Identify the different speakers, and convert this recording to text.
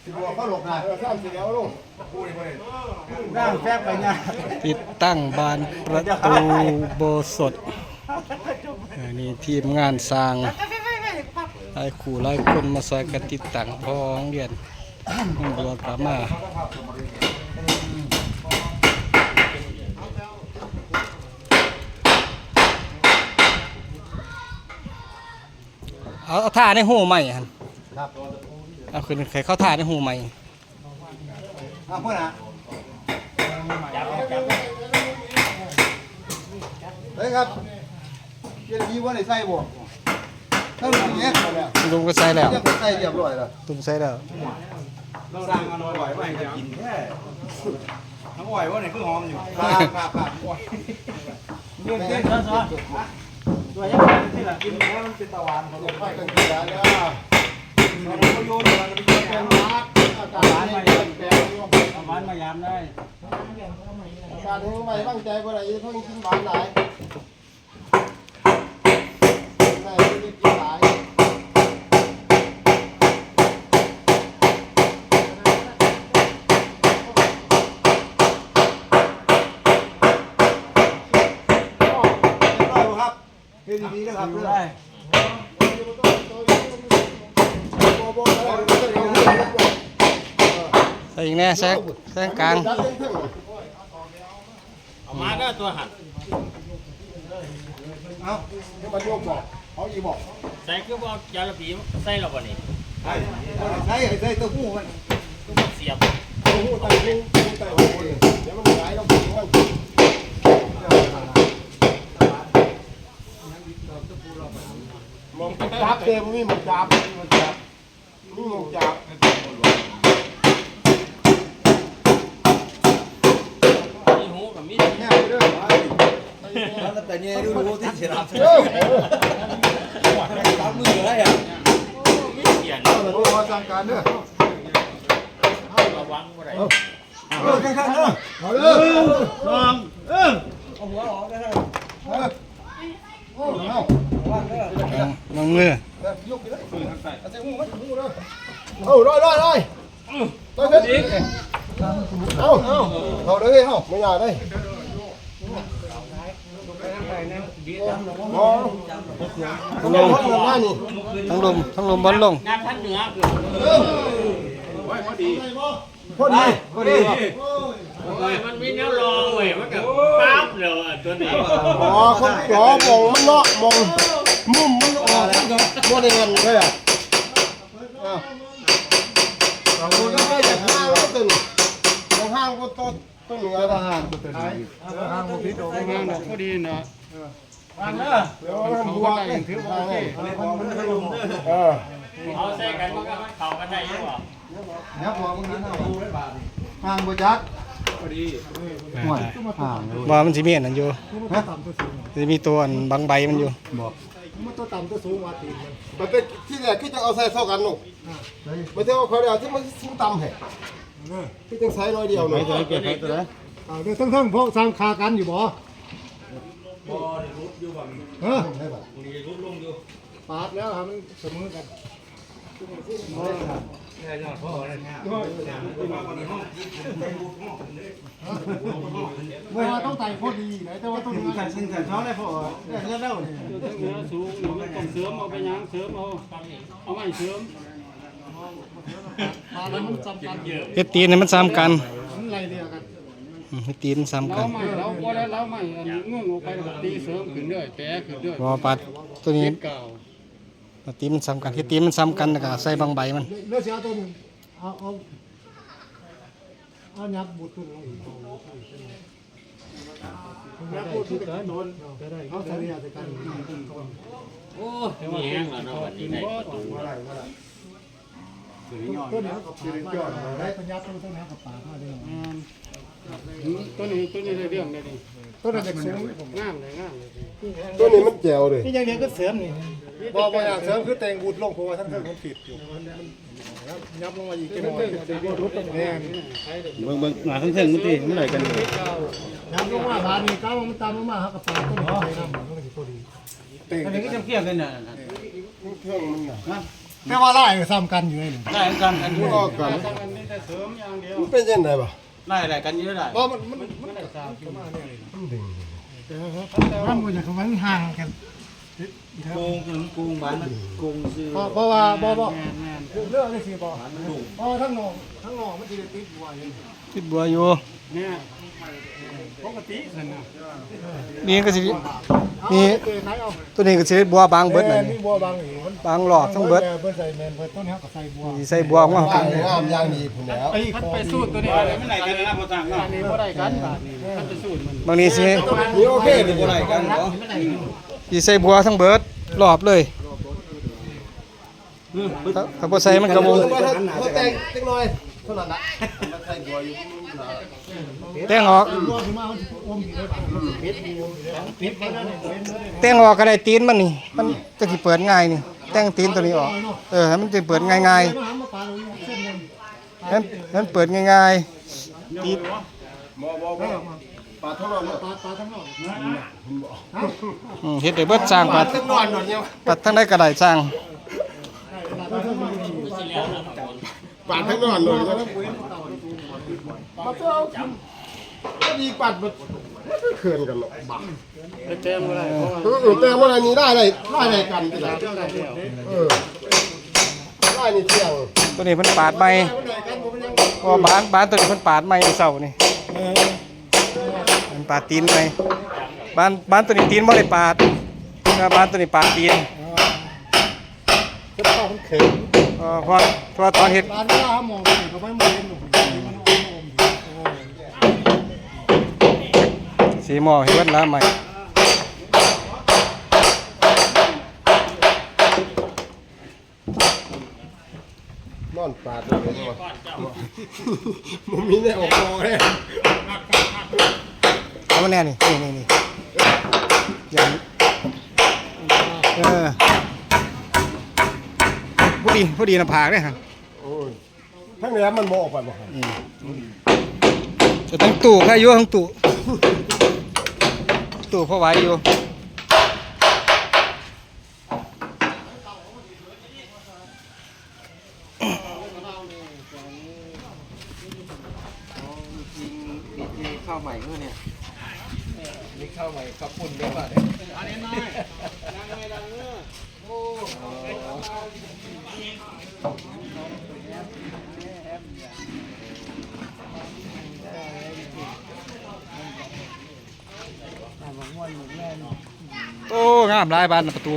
Speaker 1: เขาหลบนะสร้างเสร็จแล้วลูกนั่งแฟบไปเนี่ย
Speaker 2: ติดตั้งบานประตูโบสถนี่ทีมงานสร้างหลายคู่หลายคนมาซอยกันติดตั้งพอโรงเรียนบัวกามาเอาท่าในหูใหม่ฮะเอาคือใครเข้าท่าในหูใหม่
Speaker 1: เอาเพื่อนนะเฮ้ยครับเย็นดีว่าไหนใส่บ่ถ้าลุงเนี้ย
Speaker 2: ลุงก็ใส่แล้ว
Speaker 1: ใส่เรียบร้อยแล้ว
Speaker 2: ลุงใส่แล้ว
Speaker 1: เราสร้างมันอร่อยไม่จะกินแค่ทั้งอ่อยว่าไหนคือหอมอยู่ครับเรื่องเต้นซ้อนตัวยังไงที่ละกินแล้วมันเป็นตะวันเขาค่อยกันกินแล้วเราโยนเราไปโยนแกงมาตะวันมายามแกงตะวันมายามได้การที่ไม่ตั้งใจว่าอะไรเพิ่งกินหวานหลายไม่ได้กินหลายดีๆนะครับได้
Speaker 2: ใส่อีกแน่แซกกลาง
Speaker 3: เอามาก็ตัวหัน
Speaker 1: เอามาโยกบอกเขาอีบอก
Speaker 3: ใส่คือว่ายาละปีใส่เราบ่นี่
Speaker 1: ใส่ตัวหูมัน
Speaker 3: เสียบ
Speaker 1: ตัวหูไตหูไตหูเดี๋ยวมันไหลเราหูมันมองจับเต็มนี่มันจับนี่มันจับ
Speaker 3: มีหูกับมี
Speaker 1: แง่ไปด้วย
Speaker 4: แล้วแต่เนี่ยดูที่เสียรับตามมืออะไรอ่ะ
Speaker 3: มีเสียน
Speaker 1: โอ้มาสั่งการเด้อ
Speaker 3: ระวังบ่ได้
Speaker 1: ข้างๆเด้อเอาเด้อลอง
Speaker 4: เอาหัวออกได้เลย
Speaker 1: โอ้เอา
Speaker 2: ลงมือย
Speaker 1: กไปเลยเอาใส่หูมันหูเด้อเอาร้อยต่อยเพิ่นเอาเลยเฮาไม่ยากเลย
Speaker 2: ทั้งลมบอลลง
Speaker 3: งานทั้งเหนือ
Speaker 1: พอดี
Speaker 3: มันมีแนวรองเว้ยมันก็ปั๊บแล้วตัวนี้
Speaker 1: อ๋อคนขอมองมันเนาะมองมุมมันออกบ่ได้เงินเลยอ่ะเราก็จะห้างก็ตึงห้างก็ต้นเหนือห้างก็ตึงห้างก็พิษออกห้างก็ดีนะฟังเด้อเดี๋ยวมันบวกกันถือว่าโอเค
Speaker 3: เอาใส่กันมันก็เข้ากันได้อยู่บ่
Speaker 1: เนี่ยพอมึงนี่ห้างบ่จักพอดี
Speaker 2: ว่ามันสิมีอันนั้นอยู่จะมีตัวบางใบมันอยู่
Speaker 1: บอกมันตัวต่ำตัวสูงว่าตีมันเป็นที่แรกคือจะเอาใส่เท่ากันหนูไม่ใช่ว่าเขาเดียวที่มันสูงต่ำแห่ที่ต้องใช้น้อยเดียวหนู
Speaker 2: ไม่ตัวเก็บไปตัวไหน
Speaker 1: เดี๋ยวทั้งพวกสร้างคากันอยู่บ่
Speaker 4: รุดอยู่แบบ
Speaker 1: นี้
Speaker 4: รุดลงอยู่
Speaker 1: ปาดแล้วครับมันเสมอกันว่าต้องไต่พอดีนะแต่ว่าต้องใส่สิ่งใส่ช้อนได้พอเงี้ยแล้ว
Speaker 5: เนื้อสูงมันต้องเสริมเอาไปยังเสริมเอาไม่เสริม
Speaker 1: มันจำกันเยอะ
Speaker 2: เฮ็ดตีนมันซ้ำกัน
Speaker 1: มันไรเดียวกัน
Speaker 2: เฮ็ดตีนซ้ำกัน
Speaker 5: เราก็แล้วเราไม่ง่วงออกไปตีเสริมขึ้นด้วยแปะขึ้นด้วย
Speaker 2: พอปัดตัวนี้ตีมันซ้ำกันเฮ็ดตีมันซ้ำกันแล้วก็ใส่บางใบมัน
Speaker 1: เลือกเสียตัวนึงเอายับบุตรตัวนึงยับบุตรตัวนึงเอาใส่เนี่ยใส่กัน
Speaker 3: โอ้ยแห้งแล้วเนาะวันนี้ได้
Speaker 1: ตัวนี้กับปากได้ปัญญาตัวนี้กับปากมาได้
Speaker 5: ตัวนี้ได้เรื่องเลยนี่
Speaker 1: ตัวนี้เด็กสูง
Speaker 5: งามเลย
Speaker 1: ตัวนี้มันแจ๋วเลยนี่ยังเดียวก็เสริมนี่บอกว่าเสริมคือแต่งบุตรลงเพราะว่าทั้งเทิงมันผิดอยู่ยับลงมาอีกจะหน่อยรุดตรงนี้
Speaker 2: เบิ่งหน้าทั้งเทิงมันตีมันไหนกัน
Speaker 1: ยับลงมาบานนี้ก้าวมันตามมากับปากตัวนี้ใช่ไหมมันก็จะตัวดี
Speaker 4: อันนี้ก็จะเกี่ยวกันน่ะ
Speaker 1: เครื่องมันน่ะ
Speaker 6: แต่ว่าไล่ซ้ำกันอยู่เลย
Speaker 1: ได้กันอันนี้
Speaker 6: ก็กัน
Speaker 5: อันนี้แต่เสริมอย่างเดียว
Speaker 6: มันเป็นยังไงบ่
Speaker 1: ได้อะไรกันเยอะได้
Speaker 6: เพราะมันดึงมันมันอย่างมันห่างกัน
Speaker 1: โกงถึงโกงบ้านมันโกงซื้อ
Speaker 6: เพราะว่าบ่
Speaker 5: แม่น
Speaker 6: เรื่องนี้สิบ่เพราะทั้งนอกมันจะติดบัวอยู่
Speaker 2: ติดบัวอยู่
Speaker 5: เนี่ยปกตินั่นน่ะ
Speaker 2: นี่ก็สิ
Speaker 6: นี่
Speaker 2: นี่ตัวนี้ก็สิบัวบางเบิด
Speaker 6: เล
Speaker 2: เลย ย
Speaker 6: มีบัวบางอีกมัน
Speaker 2: บางหลอดทั้งเบิด
Speaker 6: เบิดใส่แมนเบิดต้นเฮาก็ใส่บัว
Speaker 2: สิใส่บัวของเฮา
Speaker 6: งามอย่างดีพุ่นแล้วไอ้
Speaker 5: คัน
Speaker 6: ของ
Speaker 5: ไปสูตรตัวนี้
Speaker 1: ไม่ได้กันนะพอสั่ง
Speaker 5: อันนี้บ่ได้กันบาทนี้คันไปสูตรมัน
Speaker 2: บางนี้สิ
Speaker 6: นี่โอเคดิ
Speaker 1: บ่ได้กันเหรอ
Speaker 2: สิใส่บัวทั้งเบิดรอบเลยถ้าบ่ใส่มันก็บ่
Speaker 6: เขาแต่งจักหน่อยเท่านั้นละมันใส่บัวอยู่
Speaker 2: แต่งออก
Speaker 6: บัวขึ้นมามันอมอยู่ได้บ่มันปิดอยู่ปิดไปแล้วนี่เว้นเลย
Speaker 2: แต่งออกก็ได้ตีนมันนี่มันจะสิเปิดง่ายนี่แต่งตีนตัวนี้ออกให้มันจะเปิดง่าย
Speaker 6: มาปลาลงเส้นนึง
Speaker 2: ๆให้มันเปิดง่ายๆตีน
Speaker 6: ปลาทั้งนอกปลาทั้งนอก
Speaker 2: เฮ็ดได้เบิดสร้างปัด
Speaker 6: ทั้งนอนหน่อยเนี่ย
Speaker 2: ปัดทั้งได้ก็ได้สร้าง
Speaker 6: ปลาทั้งนอนหน่อยแล้วมาเจ้าก็ดีปัดมันไม่เขื่อนกันหรอกบ้า
Speaker 5: เต็มบ่ได้เพราะว่า
Speaker 6: แต่ว่าอันนี้ได้กันที่ไหนได้นี่เที่ยง
Speaker 2: ตัวนี้เพิ่นปาดใหม่เพราะว่าบ้านตัวนี้เพิ่นปาดใหม่เมื่อเช้านี่มันปาดตีนใหม่บ้านตัวนี้ตีนบ่ได้ปาดแต่บ้านตัวนี้ปาดตีน
Speaker 6: ก็ต้องมันเข็ม
Speaker 2: เพราะตอนเฮ็ด
Speaker 6: บ้านว่าหมองก็ไม่มองเห็นหนู
Speaker 2: สีหม้อเฮ็ดเบิดแล้วใหม่
Speaker 6: นอนปาดเลยมันมีแน่ออกมองเลย
Speaker 2: เอามาแน่นี่อย่างผู้ดีน้ำผากเด้อครับ
Speaker 6: โอ้ยทั้งนี้มันมองออกไปบ่ครับ
Speaker 2: จะทั้งตู้ใครอยู่ทั้งตู้พอไหวอยู่โอ้งามหลายบานประตู